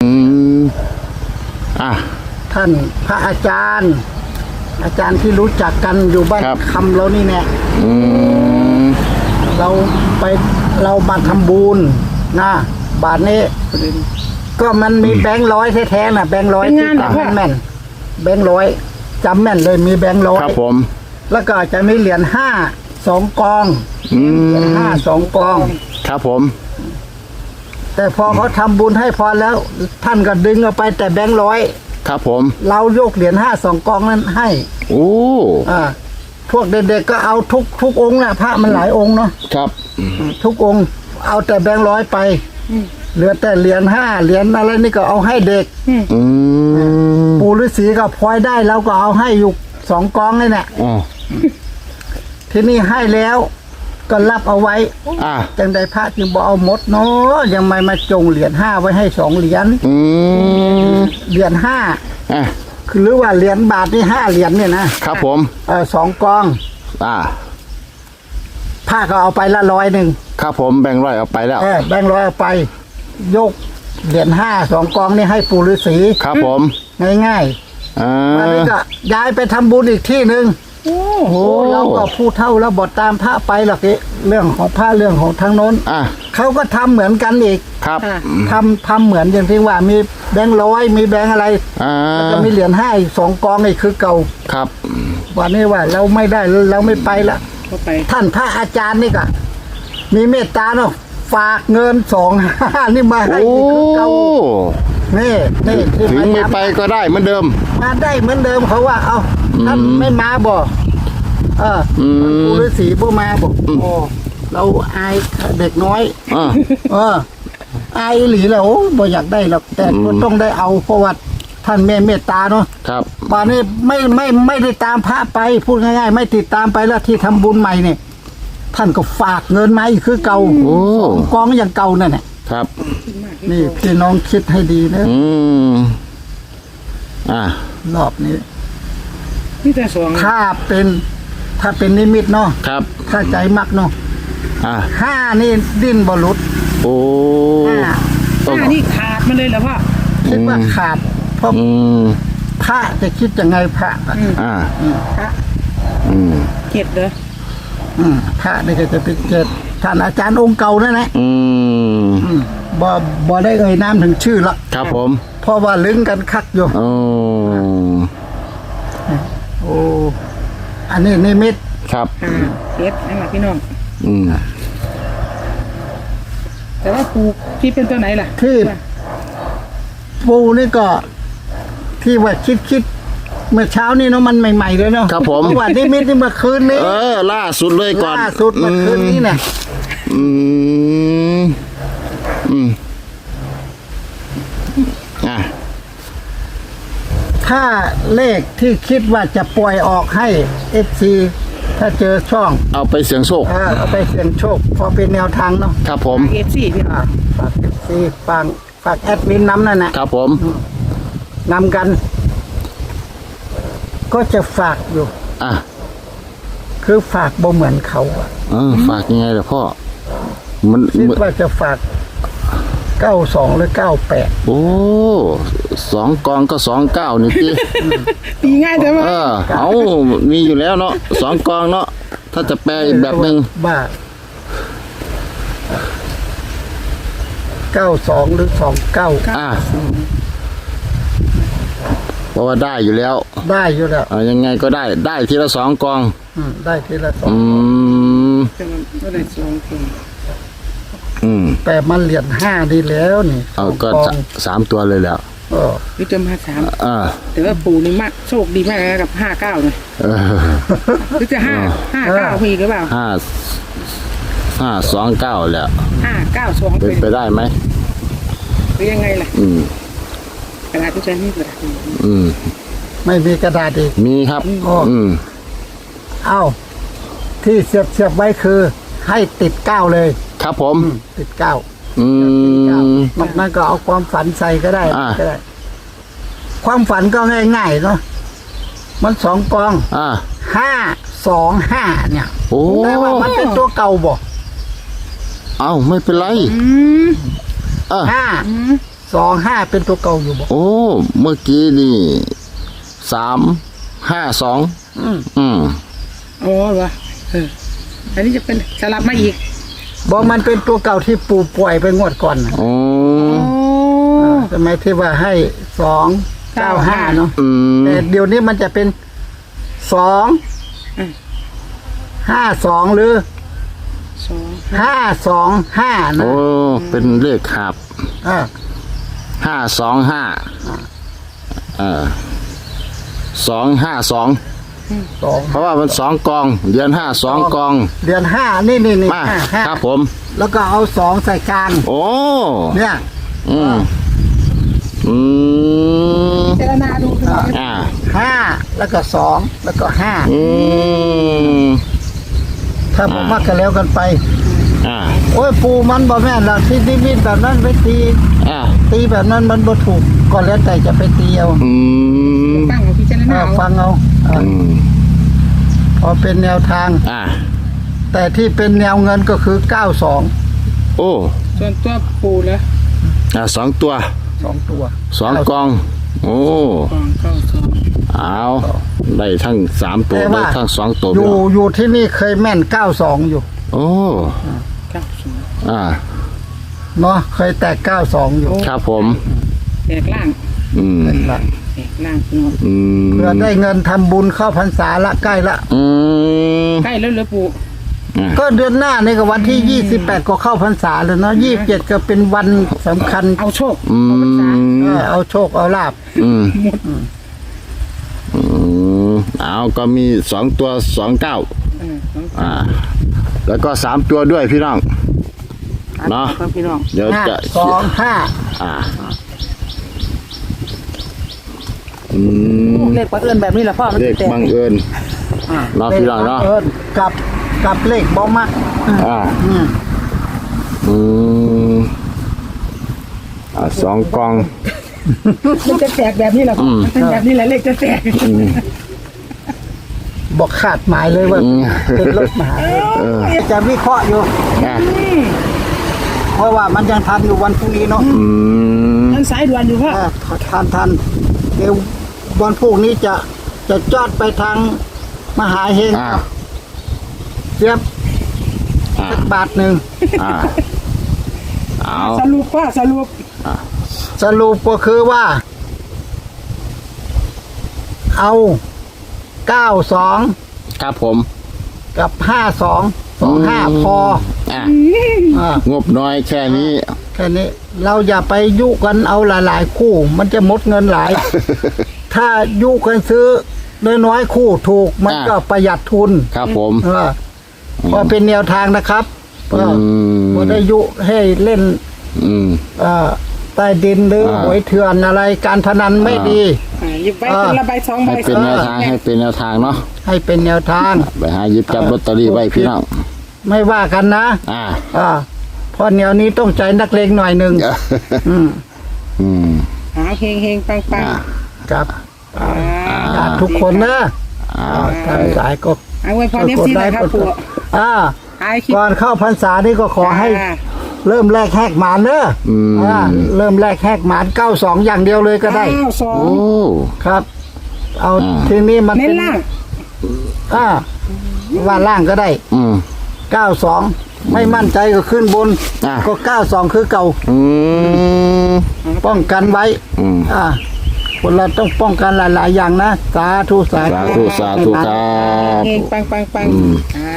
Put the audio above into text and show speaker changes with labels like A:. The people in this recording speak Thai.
A: ท่านพระอาจารย์ที่รู้จักกันอยู่บ้านคำเรานี่แน่เรามาทำบุญนะบาทนี้ก็มันมีแบงค์ร้อยแท้ๆนะแบงค์ร้อยที่จำแม่นแบงค์ร้อยจำแม่นเลยมีแบงค์ร้อย
B: ครับผม
A: แล้วก็จะมีเหรียญ5 2 กองเหรียญ5 2 กอง
B: ครับผม
A: แต่พอเขาทำบุญให้พอแล้วท่านก็ดึงเอาไปแต่แบงค์ร้อย
B: ครับผม
A: เรายกเหรียญ5 2 กองนั้นให้
B: โอ้
A: พวกเด็กๆก็เอาทุกองค์นะพระมันหลายองค์เนาะ
B: ครับ
A: ทุกองค์เอาแต่แบงค์ร้อยไปเหลือแต่เหรียญ5เหรียญอะไรนี่ก็เอาให้เด็กปู่ฤาษีก็พลอยได้เราก็เอาให้อยู่2 กองนี่แหละที่นี่ให้แล้วก็รับเอาไว้จังใดพระจึงบอกเอาหมดเนาะยังไม่มาจงเหรียญ5ไว้ให้2 เหรียญเหรียญ5คือหรือว่าเหรียญบาทนี่5 เหรียญเนี่ยนะครับ
B: ผม
A: 2 กองผ้าก็เอาไปละ100
B: ครับผมแบ่งร้อยเอาไปแล้ว
A: แบ่งร้อยเอาไปยกเหรียญ5 2 กองนี่ให้ปู่ฤาษี
B: ครับผม
A: ง่ายๆแล้วก็ย้ายไปทำบุญอีกที่นึงเราก็พูดเท่าแล้วบทตามพระไปหรอกเรื่องของพระเรื่องของทางโน้นเขาก็ทำเหมือนกันอีก
B: ครับ
A: ทำเหมือนอย่างที่ว่ามีแบงค์ร้อยมีแบงค์อะไรแล้วก็มีเหรียญ5อีก2 กองนี่คือเก่า
B: ครับ
A: วันนี้ว่าเราไม่ได้เราไม่ไปละท่านพระอาจารย์นี่ก็มีเมตตาเนาะฝากเงิน25นี่มาให้คือเก่านี่
B: ถึงไม่ไปก็ได้เหมือนเดิม
A: มาได้เหมือนเดิมเขาว่าเอาท่านไม่มาบ่ปู่ฤาษีบ่มาบอกเราอายเด็กน้อยอายหลีแล้วบ่อยากได้หรอกแต่ก็ต้องได้เอาเพราะว่าท่านเมตตาเนาะ
B: ครับ
A: ป่านนี้ไม่ได้ตามพระไปพูดง่ายๆไม่ติดตามไปแล้วที่ทำบุญใหม่เนี่ยท่านก็ฝากเงินมาอีกคือเก่ากองอย่างเก่านั่นแหละ
B: ครับ
A: นี่พี่น้องคิดให้ดีนะรอบนี้ถ้าเป็นนิมิตเนาะ
B: ครับ
A: ถ้าใจมักเนาะ5นี่ดิ้นบรุษ
C: 5นี่ขาดมาเลยเหรอพ่อ
A: คิดว่าขาดเพราะพระจะคิดยังไงพระพระ
C: เจ็ดเหรอ
A: พระนี่ก็จะเป็น7ท่านอาจารย์องค์เก่านั่นแหละบ่ได้เอ่ยนามถึงชื่อละ
B: ครับผม
A: เพราะว่าลึงกันคักอยู่อันนี้นิมิต
B: ครับ
C: เจ็ดนั่นแหละพี่น้องแต่ว่าปูที่เป็นตัวไหนล่ะ
A: ที่ปูนี่ก็ที่ว่าคิดเมื่อเช้านี่เนาะมันใหม่ๆเลยเนาะ
B: ครับผม
A: เมื่อวานนิมิตนี่เมื่อคืนนี้
B: ล่าสุดเลยก่อน
A: ล่าสุดเมื่อคืนนี้เนี่ยถ้าเลขที่คิดว่าจะปล่อยออกให้ FC ถ้าเจอช่อง
B: เอาไปเสี่ยงโชค
A: เอาไปเสี่ยงโชคพอเป็นแนวทางเนาะ
B: ครับผม
C: FC พี่
A: ฝาก FC ฝากแอดมินน้ำนั่นนะครับ
B: ผม
A: นำกันก็จะฝากอยู่คือฝากบ่เหมือนเขา
B: ฝากยังไงล่ะพ่อมัน
A: คิดว่าจะฝาก92หรือ98
B: โอ้2 กองก็29นี่
C: ตีง่ายแต่ว่า
B: มีอยู่แล้วเนาะ2 กองเนาะถ้าจะแปลอีกแบบนึง
A: บ้า92หรือ29
B: เพราะว่าได้อยู่แล้วยังไงก็ได้ทีละ2 กอง
A: ได้ทีละ2
C: ก็ได้2 กอง
A: แต่มันเหรียญ5ดีแล้วนี่
B: ก็3 ตัวเลยแล้ว
C: วิจารณ์มา3แต่ว่าปู่นี่มากโชคดีมากกับ59เลยหรือจะ59มีหรือเปล่า
B: 529แล้ว
C: 592
B: เป็นไปได้ไหม
C: หรือยังไงล่ะกระดาษที่ใช้นี่กระดาษ
A: ไม่มีกระดาษอีก
B: มีครับ
A: ที่เสียบไว้คือให้ติด9เลย
B: ครับผม
A: ติด9นอกนั้นก็เอาความฝันใส่ก็ได้ความฝันก็ง่ายๆเนาะมัน2 กอง525เนี่ยแต่ว่ามันเป็นตัวเก่าบ่
B: ไม่เป็นไร
A: 25เป็นตัวเก่าอยู่บ่
B: โอ้เมื่อกี้นี่352
C: อ๋อเหรออันนี้จะเป็นสลับมาอีก
A: บ่มันเป็นตัวเก่าที่ปู่ปล่อยไปงวดก่อนน่ะ
B: โอ้
A: สมัยที่ว่าให้295เนาะ
B: ม
A: แต่เดี๋ยวนี้มันจะเป็น252หรือ 525นะ
B: โอ้เป็นเลขขับ
A: อ่า
B: 525 252เพราะว่ามัน2กองเดือน5 2กอง
A: เดือน5นี่
B: มา
A: ห้า
B: ครับผม
A: แล้วก็เอา2ใส่กลาง
B: โอ้
A: เนี่ย
B: อืม
C: เจรนาดูคือ
A: 5แล้วก็2แล้วก็
B: อืม
A: 5ถ้าบ่มักกันแล้วกันไป โอ้ยปูมันบ่แม่นหรอกที่นิมิตแบบนั้นไปตีแบบนั้นมันบ่ถูกก็แล้วแต่จะไปตีเอา
C: ตั้งเอาพิจารณา
A: ฟังเอาพอเป็นแนวทาง แต่ที่เป็นแนวเงินก็คือ92
B: โอ้
C: ส่วนตัวปูแล้ว
B: 2ตัว
A: 2ตัว
B: 2กอง โอ้
C: กองเข้าสอง
B: เอาได้ทั้ง3ตัว
A: แต่
B: ได้
A: ว่า
B: ทั้ง2ตัว
A: อยู่ที่นี่เคยแม่น92อยู่
B: โอ้
C: เก้าสอง
A: เนาะเคยแตก92อยู่
B: ครับผม
C: แตกล่าง
B: ม
C: แตกล่างเนาะ
A: เพื่อได้เงินทำบุญเข้าพรรษาละใกล้ละ
C: ใกล้แล้วเหรอปู
A: ก็เดือนหน้านี่ก็วันที่28ก็เข้าพรรษาแล้วเนาะ27ก็เป็นวันสำคัญ
C: เอาโชค
A: เอาโชคเอาลาบ
B: เอาก็มี2ตัว29แล้วก็3ตัวด้วยพี่น้องเนาะ
C: ครับพี่น้อง
B: เดี๋ยวจะ
C: เลขบังเอิญแบบนี้แหละพ่อมัน
B: เลข
C: แตก
B: บังเอิญเนาะพี่น้องเนาะ
A: กับเลขบ่มัก
B: 2กอง
C: มันจะแตกแบบนี้แหละพ่อเป็นแบบนี้แหละเลขจะแตก
A: บอกขาดหมายเลยว่าเป็นรถมหาจะวิเคราะห์อยู่เพราะว่ามันยังทันอยู่วันพรุ่งนี้เนาะ
C: มันสายด่วนอยู่พ่อ
A: ทันเดี๋ยววันพรุ่งนี้จะจอดไปทางมหาเฮงเสียบสักบาทหนึ่ง
B: เอา
C: สรุปพ่อสรุป
A: สรุปก็คือว่า เอา92
B: ครับผม
A: กับ5225พอง
B: บน้อยแค่นี้
A: แค่นี้เราอย่าไปยุกันเอาหลายๆคู่ มันจะหมดเงินหลาย ถ้ายุกันซื้อน้อยๆคู่ถูกมันก็ประหยัดทุน
B: ครับผม
A: พอเป็นแนวทางนะครับพอได้ยุให้เล่นใต้ดินหรือหวยเถื่อนอะไรการพนันไม่ดี
C: หยิบใบคนละใบสองใบ
B: ให้เป็นแนวทางให้เป็นแนวทางเนาะ
A: ให้เป็นแนวทาง
B: ไปหาหยิบจับลอตเตอรี่ไว้พี่น้อง
A: ไม่ว่ากันนะเพราะแนวนี้ต้องใจนักเลงหน่อยหนึ่ง
C: หาเฮงเฮงปังปัง
A: ครับทุกคนนะทางสายก็
C: เอาไว้พอเนี้ยสินะครับปู่
A: ก่อนเข้าพรรษานี่ก็ขอให้เริ่มแรกแหกหมานเนอะเริ่มแรกแหกหมาน92อย่างเดียวเลยก็ได้
C: 92
B: โอ้
A: ครับ เอาทีนี้มัน
C: เน้
A: เป็น น
C: ล่าง
A: ว่าล่างก็ได้92ไม่มั่นใจก็ขึ้นบนก็92คือเก่าป้องกันไว้คนเราต้องป้องกันหลายๆอย่างนะสาธุ
B: สาธุครับ
C: เฮงปังปังปัง